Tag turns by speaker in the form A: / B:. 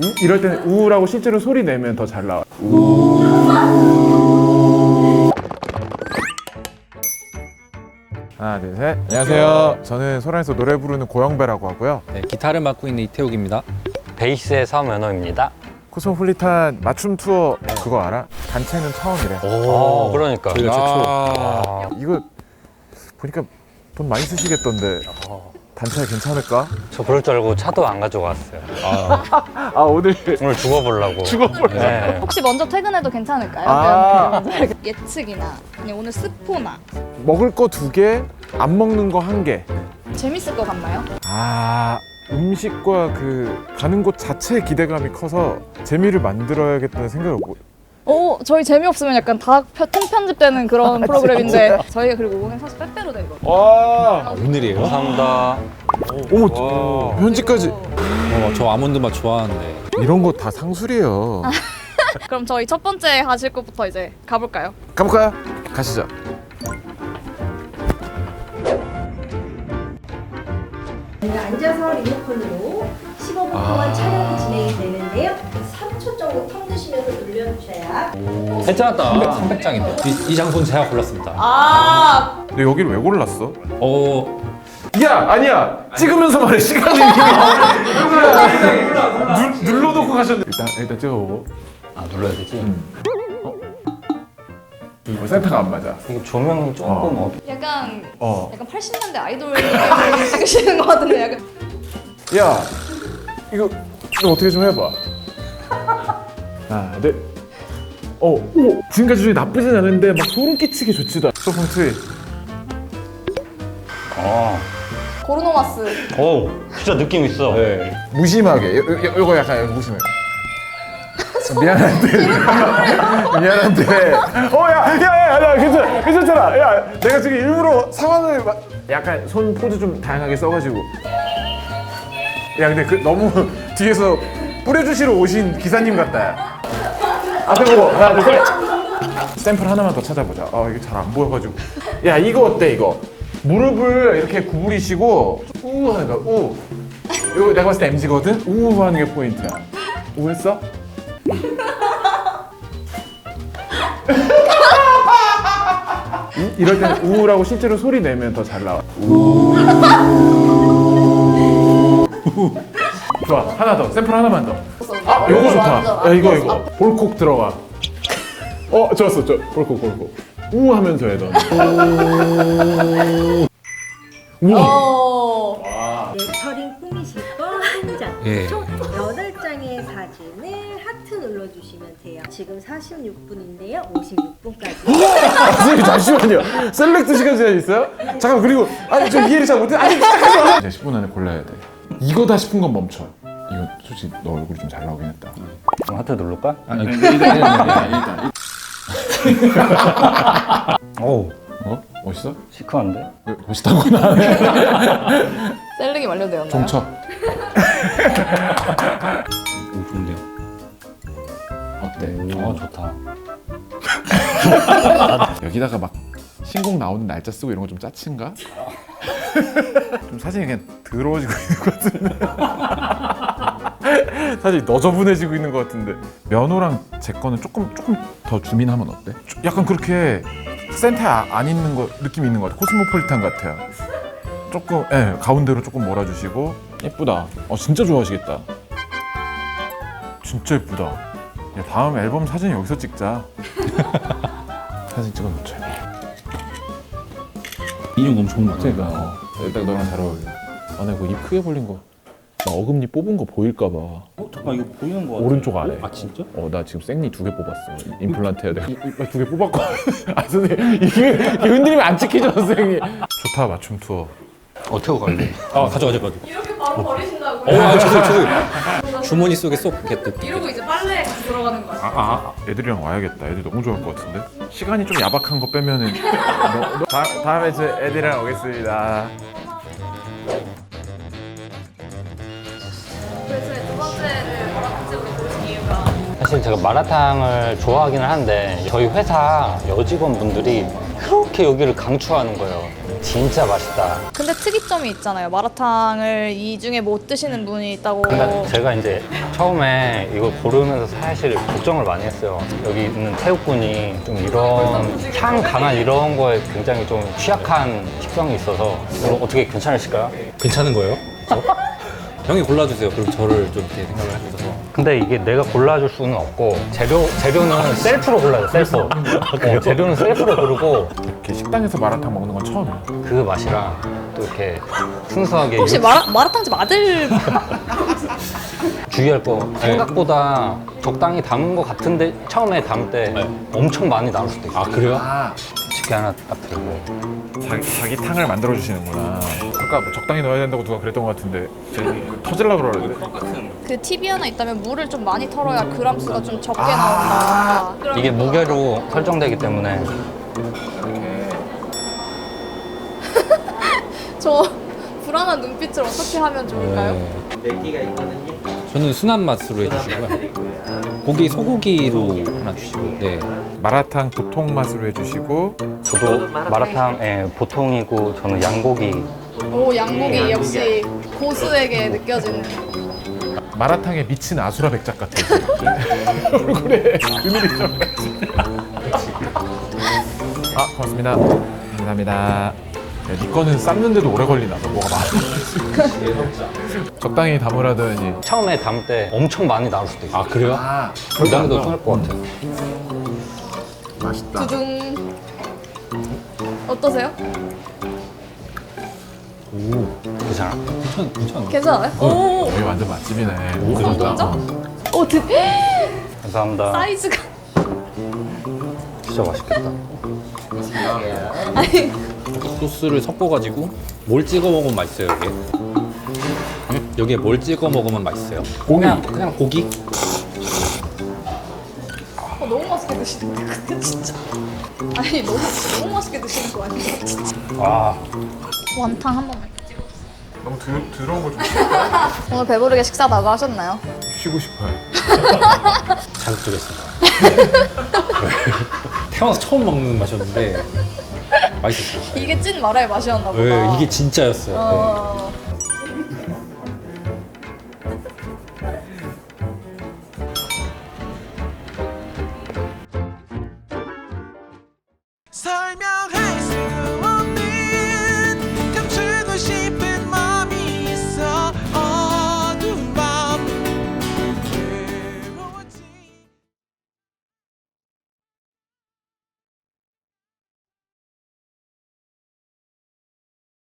A: 이럴 때는 우라고 실제로 소리 내면 더 잘 나와. 하나, 둘, 셋. 안녕하세요. 저는 소란에서 노래 부르는 고영배라고 하고요.
B: 네, 기타를 맡고 있는 이태욱입니다.
C: 베이스의 서면허입니다.
A: 코스모폴리탄 맞춤 투어 그거 알아? 단체는 처음이래.
C: 그러니까.
B: 저희가 최초.
A: 이거 보니까 돈 많이 쓰시겠던데 단체 괜찮을까?
C: 저 그럴 줄 알고 차도 안 가져왔어요.
A: 아 오늘
C: 오늘 죽어보려고. 네.
D: 혹시 먼저 퇴근해도 괜찮을까요?
A: 아.
D: 예측이나 아니 오늘 스포나
A: 먹을 거 2개, 안 먹는 거 1개.
D: 재밌을 것 같나요?
A: 아 음식과 그 가는 곳 자체의 기대감이 커서 재미를 만들어야겠다는 생각을
D: 저희 재미없으면 약간 다 통편집되는 그런 프로그램인데 저희가 그리고 오늘 사실 빼빼로 데이거든요.
A: 와
B: 오늘이에요?
C: 감사합니다.
A: 어머 편지까지
B: 저 아몬드 맛 좋아하는데.
A: 이런 거 다 상술이에요.
D: 그럼 저희 첫 번째 하실 것부터 이제 가볼까요?
A: 가볼까요? 가시죠.
E: 앉아서 리모컨으로 15분 동안 촬영이 진행이 되는데요. 3초 정도 텀 드시면서 눌려주셔야
B: 괜찮았다. 300장인데. 이 장소는 제가 골랐습니다.
A: 근데 여기를 왜 골랐어?
B: 야,
A: 아니야 찍으면서 말해 시간이 눌러놓고 가셨네. 일단 찍어보고.
C: 아, 눌러야 되지?
A: 센터가 안 맞아.
C: 이게 조명이 조금
D: 약간
A: 어.
D: 약간 80년대 아이돌 찍으시는 것 같은데 약간
A: 야 이거 어떻게 좀 해봐. 하나 둘. 오 지금까지 중에 나쁘진 않은데 막 소름 끼치게 좋지도 않아. 소풍 트위.
D: 고르노마스.
C: 진짜 느낌 있어.
B: 네.
A: 무심하게 요거 약간 여기 무심해. 미안한데 야 괜찮잖아. 야 내가 지금 일부러 상황을 약간 손 포즈 좀 다양하게 써가지고 야 근데 그 너무 뒤에서 뿌려주시러 오신 기사님 같다. 앞에 보고 하나 둘 셋. 샘플 하나만 더 찾아보자. 이게 잘 안 보여가지고. 야 이거 어때 이거? 무릎을 이렇게 구부리시고 우 하는 거야. 우. 이거 내가 봤을 때 MG거든? 우 하는 게 포인트야. 우 했어? 이럴 때는 우라고 실제로 소리 내면 더 잘 나와. 좋아 하나 더 샘플 하나만 더. 요거 좋다. 야 이거 볼콕 들어가. 좋았어 볼콕 우 하면서 해 너. 우와.
E: 레터링 꾸미실 거 한 장.
B: 예.
E: 총 8장의 사진을 하트 눌러주시면 돼요. 지금 46분인데요. 56분까지.
A: 선생님 잠시만요. 셀렉트 시간 제한 있어요? 잠깐 그리고 좀 이해를 잘 못해. 아직 시작하지 마. 이제 10분 안에 골라야 돼. 이거다 싶은 건 멈춰. 이거 솔직히 너 얼굴이 좀 잘 나오긴 했다.
C: 그럼 하트 누를까?
A: 일단. 멋있어?
C: 시크한데?
A: 왜 멋있다고나 하네.
D: 셀링이 완료되었나요?
A: 종쳐.
B: 좋은데요?
A: 어때?
C: 좋다.
A: 여기다가 막 신곡 나오는 날짜 쓰고 이런 거 좀 짜친가? 좀 사진이 그냥 더러워지고 있는 것 같은데. 사진이 너저분해지고 있는 것 같은데. 면호랑 제 거는 조금 더 줌인하면 어때? 약간 그렇게 센터에 안 있는 거 느낌 있는 것 같아. 코스모폴리탄 같아요. 조금 가운데로 조금 몰아주시고. 예쁘다. 진짜 좋아하시겠다. 진짜 예쁘다. 야, 다음 앨범 사진 여기서 찍자. 사진 찍어놓자.
B: 인형 너무 좋은 것 같아요.
A: 그러니까 일단 너랑 잘 어울려. 나 이거 입 크게 벌린 거, 나 어금니 뽑은 거 보일까 봐.
B: 잠깐 이거 보이는 거 같아.
A: 오른쪽 아래.
B: 아 진짜?
A: 나 지금 생리 2개 뽑았어. 임플란트 해야 돼. 2개 뽑았거든. 선생님 이게 흔들리면 안 찍히죠 선생님. 좋다 맞춤 투어.
C: 태우 갈래?
B: 가져가.
D: 이렇게 바로 버리신다고?
B: 저기 주머니 속에 쏙 이렇게.
D: 이러고 이제 빨래에 같이 들어가는 거야.
A: 애들이랑 와야겠다. 애들 너무 좋아할 것 같은데. 시간이 좀 야박한 거 빼면은. 다음에 저 애들이랑 오겠습니다.
D: 그래서 두 번째를 마라탕집으로 고르신 이유가
C: 사실 제가 마라탕을 좋아하기는 한데 저희 회사 여직원분들이 그렇게 여기를 강추하는 거예요. 진짜 맛있다.
D: 근데 특이점이 있잖아요. 마라탕을 이 중에 못 드시는 분이 있다고.
C: 근데 제가 이제 처음에 이걸 고르면서 사실 걱정을 많이 했어요. 여기 있는 태국분이 좀 이런 향 강한 이런 거에 굉장히 좀 취약한 식성이 있어서 이거 어떻게 괜찮으실까요?
B: 괜찮은 거예요? 저? 형이 골라주세요. 그럼 저를 좀 이렇게 생각을 해주셔서.
C: 근데 이게 내가 골라줄 수는 없고 재료는 셀프로 골라요. 셀프. 재료는 셀프로 고르고
A: 이렇게 식당에서 마라탕 먹는 건 처음이에요.
C: 그 맛이랑 또 이렇게 순수하게
D: 혹시 마라탕집 아들
C: 주의할 거 생각보다 적당히 담은 것 같은데 처음에 담을 때 엄청 많이 나올 수도 있어요.
B: 아 그래요?
C: 쉽게 하나 딱 들고
A: 자기 탕을 만들어 주시는구나. 아까 뭐 적당히 넣어야 된다고 누가 그랬던 것 같은데 터질라 그러는데.
D: 그 팁이 하나 있다면 물을 좀 많이 털어야 그람 수가 좀 적게 나온다.
C: 이게 무게로 설정되기 때문에
D: 저 불안한 눈빛을 어떻게 하면 좋을까요?
B: 네. 저는 순한 맛으로 해주시고요. 고기 소고기로 하나 주시고. 네.
A: 마라탕 보통 맛으로 해주시고
C: 저도 마라탕 보통이고 저는 양고기
D: 오 양고기 역시 고수에게 느껴지는.
A: 마라탕에 미친 아수라 백작 같아요. 얼굴에 그늘이 좀. 아 고맙습니다. 감사합니다. 야, 네 거는 삶는데도 오래 걸리나 봐. 뭐가 많아. 적당히 담으라더니.
C: 처음에 담을 때 엄청 많이 나올 수도 있어요.
B: 아 그래요?
C: 부담도 끊을 것 같아요.
D: 두둥. 어떠세요?
C: 괜찮아?
B: 괜찮아.
D: 괜찮아요? 오.
A: 여기 완전 맛집이네.
D: 성동점? 오
C: 감사합니다.
D: 사이즈가.
C: 진짜 맛있겠다.
D: 아니
B: 소스를 섞어가지고 뭘 찍어 먹으면 맛있어요 여기? 여기에 뭘 찍어 먹으면 맛있어요?
A: 고기.
B: 그냥 고기?
D: 너무 맛있게 드시는데 근데 진짜. 아니 너무 맛있게 드시는 거 아니에요 진짜.
C: 아
D: 원탕 한 번만.
A: 너무 더러운 거 좀
D: 오늘 배부르게 식사 나가셨나요?
A: 쉬고 싶어요.
B: 자극적이었습니다. 태어나서 처음 먹는 맛이었는데 맛있었어요.
D: 이게 찐 마라의 맛이었나 보다.
B: 네, 이게 진짜였어요. 네.
D: 어...